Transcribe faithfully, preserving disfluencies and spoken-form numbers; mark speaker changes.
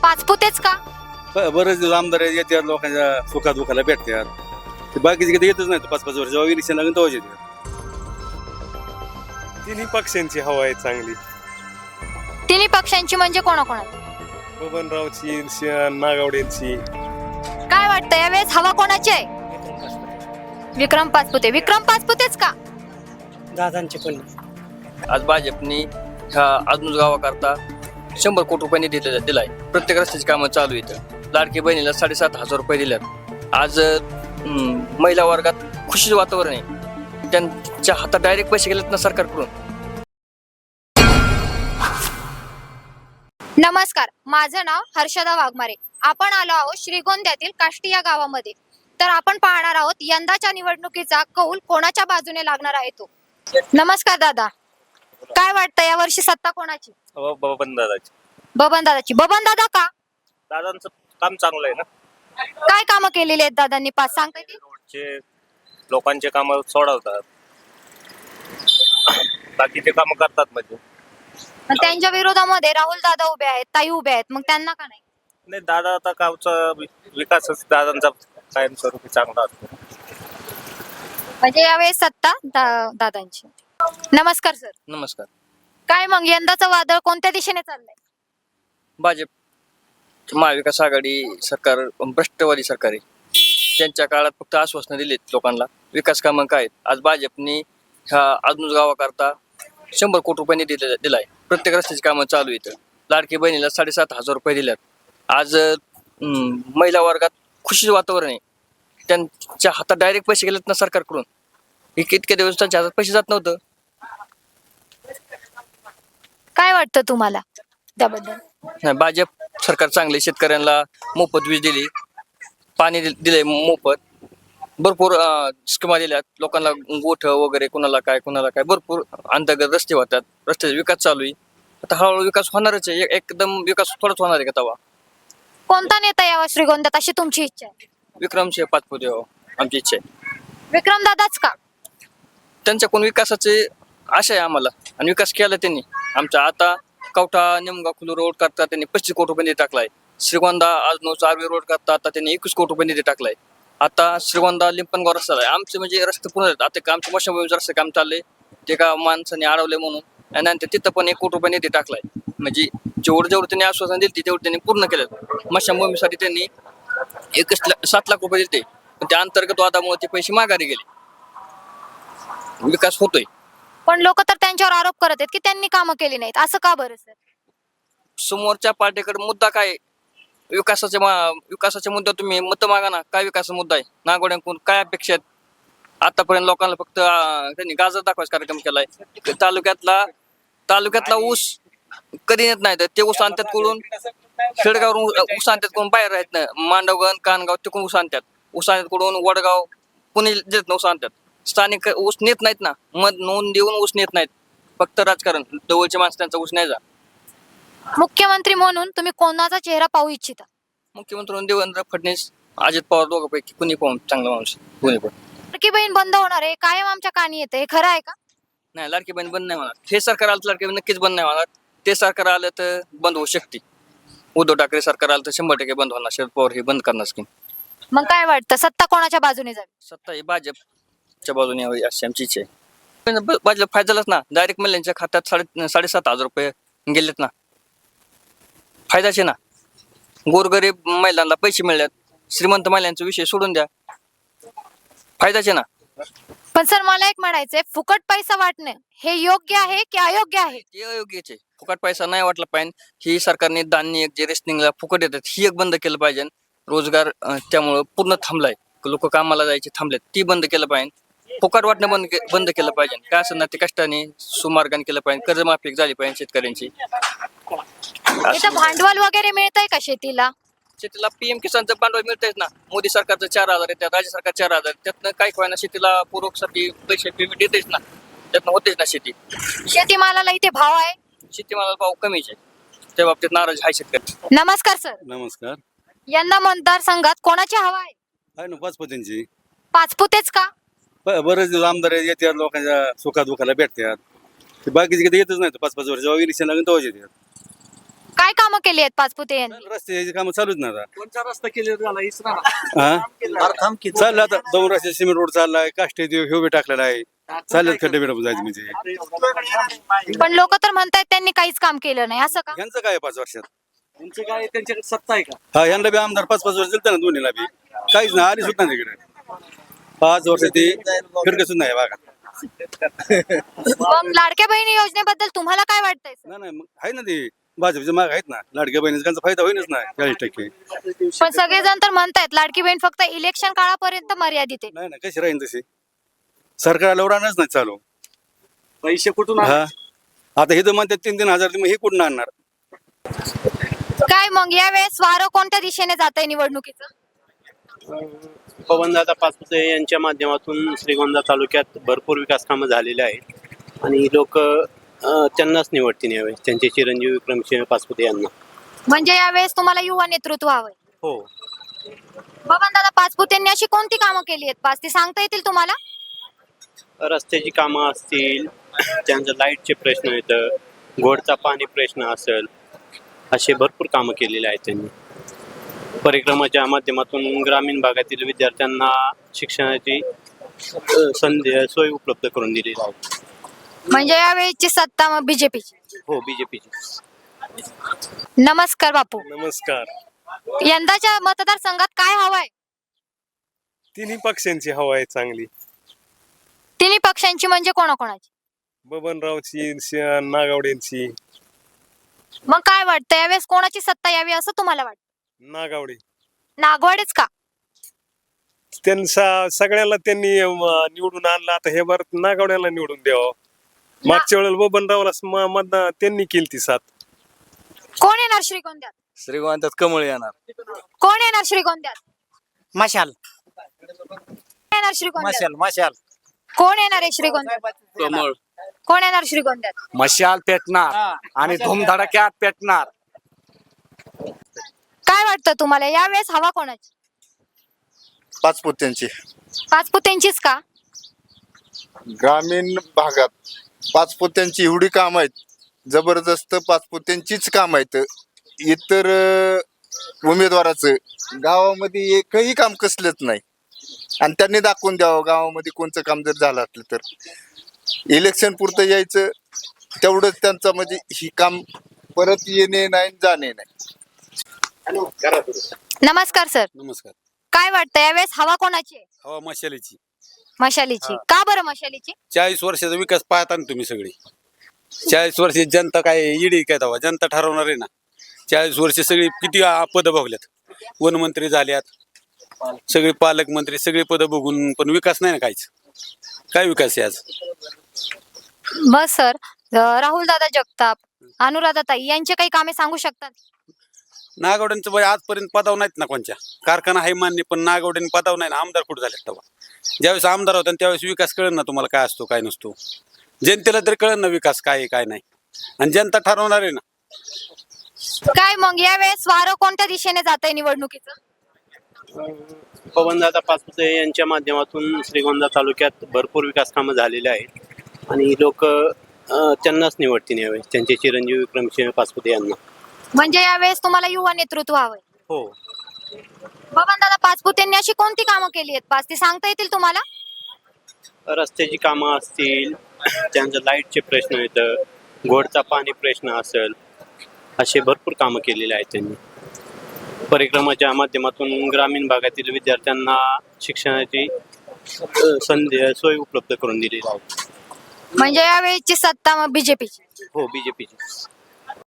Speaker 1: पाचपुतेच का?
Speaker 2: ब- बरेच आमदार येतात लोकांच्या सुखा दुखाला भेटतात. ते बाकीचे कधी येतच नाही पाच पाच वर्ष जेव्हा इलेक्शन लागेल तेव्हाच येतात.
Speaker 3: तिन्ही पक्षांची हवा आहे चांगली.
Speaker 1: तिन्ही पक्षांची म्हणजे कोणाकोणाची?
Speaker 3: बबनरावची श- नागावडेंची.
Speaker 1: काय वाटतं यावेळेस हवा कोणाची आहे? विक्रम पाचपुते. विक्रम पाचपुतेच का?
Speaker 4: दादांचे पण
Speaker 5: आज भाजपनी ह्या आजून गावाकरता शंभर कोटी रुपये निधी दिला- दिलाय. प्रत्येक रस्त्याची कामं चालू आहेत. लाडकी बहिणीला साडेसात हजार रुपये दिल्यात. आज अं, महिला वर्गात खुशीचं वातावरण आहे. त्यांच्या हातात डायरेक्ट पैसे गेलेत ना सरकारकडून.
Speaker 1: नमस्कार, माझं नाव हर्षदा वाघमारे. आपण आलो आहोत श्रीगोंद्यातील काष्टी या गावामध्ये. तर आपण पाहणार आहोत यंदाच्या निवडणुकीचा कौल कोणाच्या बाजूने लागणार आहे तो. नमस्कार दादा, काय वाटतं या वर्षी सत्ता कोणाची?
Speaker 3: बबन दादाची.
Speaker 1: बबन दादाची. बबन दादा का?
Speaker 3: दादांचं काम चांगलं आहे ना.
Speaker 1: काय कामं केलेली आहेत दादांनी? पाच सांगता येतील?
Speaker 3: रोडचे लोकांचे काम सोडवतात, बाकी ते काम करतात. म्हणजे
Speaker 1: मग त्यांच्या विरोधामध्ये राहुल दादा उभे आहेत, ताई उभे आहेत, मग त्यांना का नाही?
Speaker 3: नाही, दादा आता गावचा वि- विकासच दादांचा कायमस्वरूपी चांगला असतो.
Speaker 1: म्हणजे यावेळेस सत्ता दा- दादांची. नमस्कार सर,
Speaker 5: नमस्कार.
Speaker 1: काय मग यंदाचं वादळ कोणत्या दिशेने चाललंय?
Speaker 5: भाजप महाविकास आघाडी सरकार भ्रष्टवादी सरकार आहे. त्यांच्या काळात फक्त आश्वासनं दिलीत लोकांना. विकास कामं काय आहेत? आज भाजपनी ह्या आजून गावाकरता शंभर कोटी रुपये निधी दिला- दिलाय. प्रत्येक रस्त्याची कामं चालू आहेत. लाडकी बहिणीला साडेसात हजार रुपये दिल्यात. आज अं, महिला वर्गात खुशीचं वातावरण आहे. त्यांच्या हातात डायरेक्ट पैसे गेलेत ना सरकारकडून. इतके इतके दिवस त्यांच्या हातात पैसे जात नव्हतं.
Speaker 1: काय वाटतं तुम्हाला त्याबद्दल?
Speaker 5: नाही, भाजप सरकार चांगले. शेतकऱ्यांना मोफत वीज दिली, पाणी दिल- दिले मोफत. भरपूर अं, स्कीमा दिल्यात लोकांना. गोठ वगैरे कुणाला काय कुणाला काय भरपूर अंतर्गत रस्ते होतात. रस्त्याचा विकास चालू आहे. आता हळूहळू विकास होणारच आहे. एक- एकदम विकास थोडाच होणार आहे का तवा.
Speaker 1: कोणता नेता यावा श्रीगोंद्यात अशी तुमची इच्छा आहे?
Speaker 5: विक्रमसिंह पाचपुते हो, आमची इच्छा आहे.
Speaker 1: विक्रम दादाच का?
Speaker 5: त्यांच्याकडून विकासाचे आशा आहे आम्हाला, आणि विकास केला त्यांनी आमचा. आता कवठा निमगाव खुलू रोड करता त्यांनी पस्तीस कोटी रुपये निधी टाकलाय. श्रीगोंदा आजनो चारवी रोड करता आता त्यांनी एकवीस कोटी रुपये निधी टाकलाय. आता श्रीगोंदा लिंपणगाव रस्ता आहे. आमचे म्हणजे रस्ते पूर्ण आहेत. आता आमच्या मशाभूमीचं रस्ते काम चाललंय. ते का माणसाने अडवले म्हणून, आणि नंतर तिथं पण एक कोटी रुपये निधी टाकलाय. म्हणजे जेवढं जेवढं त्यांनी आश्वासन दिली तेवढं त्यांनी पूर्ण केलं. मशाभूमीसाठी त्यांनी एकच ला- सात लाख रुपये दिले, पण त्या अंतर्गत वादामुळे ते पैसे माघारी गेले. विकास होतोय.
Speaker 1: पण लोक तर त्यांच्यावर आरोप करत आहेत की त्यांनी कामं केली नाहीत. असं का बरं सर?
Speaker 5: समोरच्या पार्टीकडे मुद्दा काय आहे? विकासाच्या मा- विकासाच्या मुद्द्यावर तुम्ही मत मागा ना. काय विकासाचा मुद्दा आहे? नागोड्यांकडून काय अपेक्षा आहेत? आतापर्यंत लोकांना फक्त अं, त्यांनी गाजर दाखवायचा कार्यक्रम केलाय. तालुक्यातला तालुक्यातला ऊस कधी येत नाही. तर ते ऊस आणतात कडून खेडगावरून ऊस आणतात कडून बाहेर राहत नाही. मांडवगण कानगाव तिकडून ऊस आणतात. ऊस आणतात कडून वडगाव पुणे देत ना ऊस आणतात. स्थानिक ऊस नेत नाहीत ना. मध नोंद देऊन ऊस नेत नाहीत. फक्त राजकारण. जवळचे माणसं त्यांचा ऊस नाही जा.
Speaker 1: मुख्यमंत्री म्हणून तुम्ही कोणाचा चेहरा पाहू इच्छिता?
Speaker 5: मुख्यमंत्री म्हणून देवेंद्र फडणवीस, अजित पवार दोघांपैकी कुणी पाहून चांगला माणूस कुणी पण.
Speaker 1: लाडकी बहीण बंद होणार आहे कायम आमच्या कानी येतं, हे खरं आहे का?
Speaker 5: नाही, लाडकी बहीण बंद नाही होणार. हे सरकार आलं तर लाडकी बहीण नक्कीच बंद नाही होणार. ते सरकार आलं तर बंद होऊ शकते. उद्धव ठाकरे सरकार आलं तर शंभर टक्के बंद होणार. शरद पवार हे बंद करणार स्कीम.
Speaker 1: मग काय वाटतं सत्ता कोणाच्या बाजूने जावी?
Speaker 5: सत्ता ही भाजपच्या बाजूने यावी अशी आमची इच्छा आहे. ब- भाजप फायदा झालाच ना. डायरेक्ट महिलांच्या खात्यात साडे साडेसात हजार रुपये गेलेत ना. फायदाचे ना. गोरगरीब महिलांना पैसे मिळतात. श्रीमंत महिलांचा विषय सोडून द्या. फायदाचे ना.
Speaker 1: पण सर मला एक म्हणायचंय, फुकट पैसा वाटणे हे योग्य आहे की अयोग्य आहे?
Speaker 5: ते अयोग्यच आहे. फुकट पैसा नाही वाटला पाहिजे. ही सरकारने धान्य जे रेशनिंगला फुकट येतात ही एक बंद केलं पाहिजे. रोजगार अं, त्यामुळं पूर्ण थांबलाय. लोक कामाला जायचे थांबलेत, ती बंद केलं पाहिजे. फुकट वाटणं बंद के- बंद केलं पाहिजे. काय असं ना ते कष्टाने सुमार्गाने केलं पाहिजे. कर्जमाफी झाली पाहिजे शेतकऱ्यांची.
Speaker 1: इथं भांडवल वगैरे मिळतंय का शेतीला?
Speaker 5: शेतीला पीएम किसानचं भांडवल मिळतंय ना. मोदी सरकारचं चार हजार येतात, राज्य सरकार चार हजार. त्यातनं काही कोणाला शेतीला पूरकसाठी पैसे पेमेंट येतेच ना. त्यातनं होतेच ना शेती.
Speaker 1: शेतीमालाला इथे भाव आहे?
Speaker 5: शेतीमालाला भाव कमीच आहे. त्या बाबतीत नाराज आहे शेतकरी.
Speaker 1: नमस्कार सर,
Speaker 2: नमस्कार.
Speaker 1: यंदा मतदारसंघात कोणाची हवा आहे?
Speaker 2: आहे ना पाचपतींची.
Speaker 1: पाचपुतेच का?
Speaker 2: ब- बरेच आमदार येतात लोकांच्या सुखा दुखाला भेटतात. ते बाकीचे कधी येतच नाही पाच पाच वर्ष जेव्हा इलेक्शन लागेल तेव्हाच येतात.
Speaker 1: काय कामं केली आहेत पाचपुते यांनी?
Speaker 2: रस्त्याची कामं चालूच ना आता.
Speaker 3: कोणचा रस्ता केले झाला हीच ना
Speaker 2: हा चाललं आता दोन रस्ते सिमेंट रोड चाललाय, काष्टी ह्यो बी टाकलेला आहे, चाललं खड्डे बिडे जायचं म्हणजे.
Speaker 1: पण लोक तर म्हणतायत त्यांनी काहीच काम केलं नाही, असं का?
Speaker 2: यांचं काय आहे पाच वर्षात?
Speaker 3: तुमचे काय त्यांच्याकडे सत्ता आहे का?
Speaker 2: हा यांना बी आमदार पाच पाच वर्ष दिलतं ना दोन्हीला बी, काहीच नाही आली सुद्धा नाही इकडे. पाच वर्ष ते फिरके सुद्धा आहे बघा.
Speaker 1: मग लाडक्या बहिणी योजनेबद्दल तुम्हाला काय वाटतंय sir?
Speaker 2: नाही नाही मग आहे ना ते भाजपचे माग आहेत ना, लाडक्या बहिणीचा त्यांचा फायदा होईनच ना चाळीस टक्के.
Speaker 1: पण सगळेजण तर म्हणतायत लाडकी बहीण फक्त इलेक्शन काळापर्यंत मर्यादित आहे.
Speaker 2: नाही ना कशी राहील तशी, सरकार लवरानच नाही चालू.
Speaker 3: पैसे कुठून
Speaker 2: हा आता हे तर म्हणतात तीन तीन हजार, मग हे कुठून आणणार?
Speaker 1: काय मग यावेळेस वारं कोणत्या दिशेने जात आहे निवडणुकीचं?
Speaker 6: पवनदादा पाचपुते यांच्या माध्यमातून श्रीगोंदा तालुक्यात भरपूर विकास कामं झालेले आहेत आणि लोक त्यांनाच निवडतील यावेळेस, त्यांचे चिरंजीव विक्रमसिंह पाचपुते यांना.
Speaker 1: म्हणजे यावेळेस तुम्हाला युवा नेतृत्व हवंय.
Speaker 6: हो,
Speaker 1: बबन दादा पाचपुते यांनी अशी कोणती कामं केली आहेत पाच ती सांगता येतील तुम्हाला?
Speaker 6: रस्त्याची कामं असतील, त्यांचं लाईटचे प्रश्न येतं, गोडचा पाणी प्रश्न असेल, असे भरपूर कामं केलेले आहेत त्यांनी. परिक्रमाच्या माध्यमातून ग्रामीण भागातील विद्यार्थ्यांना शिक्षणाची अ, संधी सोय उपलब्ध करून दिलेली आहे.
Speaker 1: म्हणजे यावेळेची सत्ता मग बीजेपीची.
Speaker 6: हो, बीजेपीची.
Speaker 1: नमस्कार बापू.
Speaker 7: नमस्कार.
Speaker 1: यंदाच्या मतदारसंघात काय हवंय?
Speaker 7: तिन्ही पक्षांची हवा आहे चांगली.
Speaker 1: तिन्ही पक्षांची म्हणजे कोणाकोणाची?
Speaker 7: बबनरावची, श- नागावडेंची.
Speaker 1: मग काय वाटतं यावेळेस कोणाची सत्ता यावी असं तुम्हाला वाटतं?
Speaker 7: नागावडे
Speaker 1: नागवाडेच का?
Speaker 7: त्यांचा सगळ्याला त्यांनी अं, निवडून आणलं, आता हे बार नागावड्याला निवडून द्यावं. मागच्या वेळेला बबनरावला म- मतदान त्यांनी केली ती साथ.
Speaker 1: कोण येणार श्रीगोंद्यात?
Speaker 2: श्रीगोंद्यात कमळ येणार.
Speaker 1: कोण येणार श्रीगोंद्यात?
Speaker 4: मशाल
Speaker 1: कोण येणार श्रीगोंद्यात?
Speaker 4: मशाल मशाल
Speaker 1: कोण येणार आहे श्रीगोंद्यात?
Speaker 2: कमळ
Speaker 1: कोण येणार श्रीगोंद्यात?
Speaker 3: मशाल पेटणार आणि धुमधडक्यात पेटणार.
Speaker 1: काय वाटतं तुम्हाला यावेळेस हवा कोणाची?
Speaker 8: पाचपुत्यांची.
Speaker 1: पाचपुतेंचीच का?
Speaker 8: ग्रामीण भागात पाचपुत्यांची एवढी काम आहेत, जबरदस्त पाचपुत्यांचीच काम आहेत. इतर अं, उमेदवाराचं गावामध्ये एकही काम कसलंच नाही आणि त्यांनी दाखवून द्यावं गावामध्ये कोणतं काम जर झालं असलं तर. इलेक्शन पुरतं यायचं तेवढंच त्यांचं, म्हणजे ही काम परत येणे नाही जाणे नाही.
Speaker 1: नमस्कार सर.
Speaker 2: नमस्कार.
Speaker 1: काय वाटतं यावेळेस हवा कोणाची आहे?
Speaker 2: हवा मशालीची.
Speaker 1: मशालीची का बरं? मशालीची
Speaker 2: चाळीस वर्षाचा विकास पाहता ना तुम्ही सगळी. चाळीस वर्ष जनता काय इडी काय तेव्हा जनता ठरवणार आहे ना. चाळीस वर्ष सगळी किती पद भोगल्यात, वनमंत्री झाल्यात, सगळे पालकमंत्री, सगळे पद बघून पण विकास नाही ना काहीच. काय विकास आहे आज?
Speaker 1: बस सर. राहुल दादा जगताप, अनुराधा ताई यांचे काही कामे सांगू शकतात?
Speaker 2: नागावड्यांचं बाई आजपर्यंत पदाव नाहीत ना कोणच्या. कारखाना आहे मान्य, पण नागावड्यांनी पदाव नाही ना. आमदार कुठे झाले तेव्हा? ज्यावेळेस आमदार होता त्यावेळेस विकास कळेल ना तुम्हाला काय असतो काय नसतो. जनतेला तरी कळेल ना विकास काय आहे काय नाही, आणि जनता ठरवणार आहे ना.
Speaker 1: काय मग यावेळेस वारं कोणत्या दिशेने जात आहे निवडणुकीचं?
Speaker 6: पवनदादा पाचपुते यांच्या माध्यमातून श्रीगोंदा तालुक्यात भरपूर विकास कामं झालेले आहेत आणि लोक त्यांनाच निवडतील यावेळेस, त्यांचे चिरंजीव विक्रमसिंह पाचपुते यांना.
Speaker 1: म्हणजे यावेळेस तुम्हाला युवा नेतृत्व हवंय.
Speaker 6: हो,
Speaker 1: बबन दादा पाचपुतेंनी अशी कोणती कामं केली आहेत पाच ती सांगता येतील तुम्हाला?
Speaker 6: रस्त्याची कामं असतील, त्यांचं लाईटचे प्रश्न येतं, गोडचा पाणी प्रश्न असेल, असे भरपूर कामं केलेले आहेत त्यांनी. परिक्रमाच्या माध्यमातून ग्रामीण भागातील विद्यार्थ्यांना शिक्षणाची अ, संधी सोय उपलब्ध करून दिलेली आहे.
Speaker 1: म्हणजे यावेळेची सत्ता मग बीजेपीची.
Speaker 6: हो, बीजेपीची.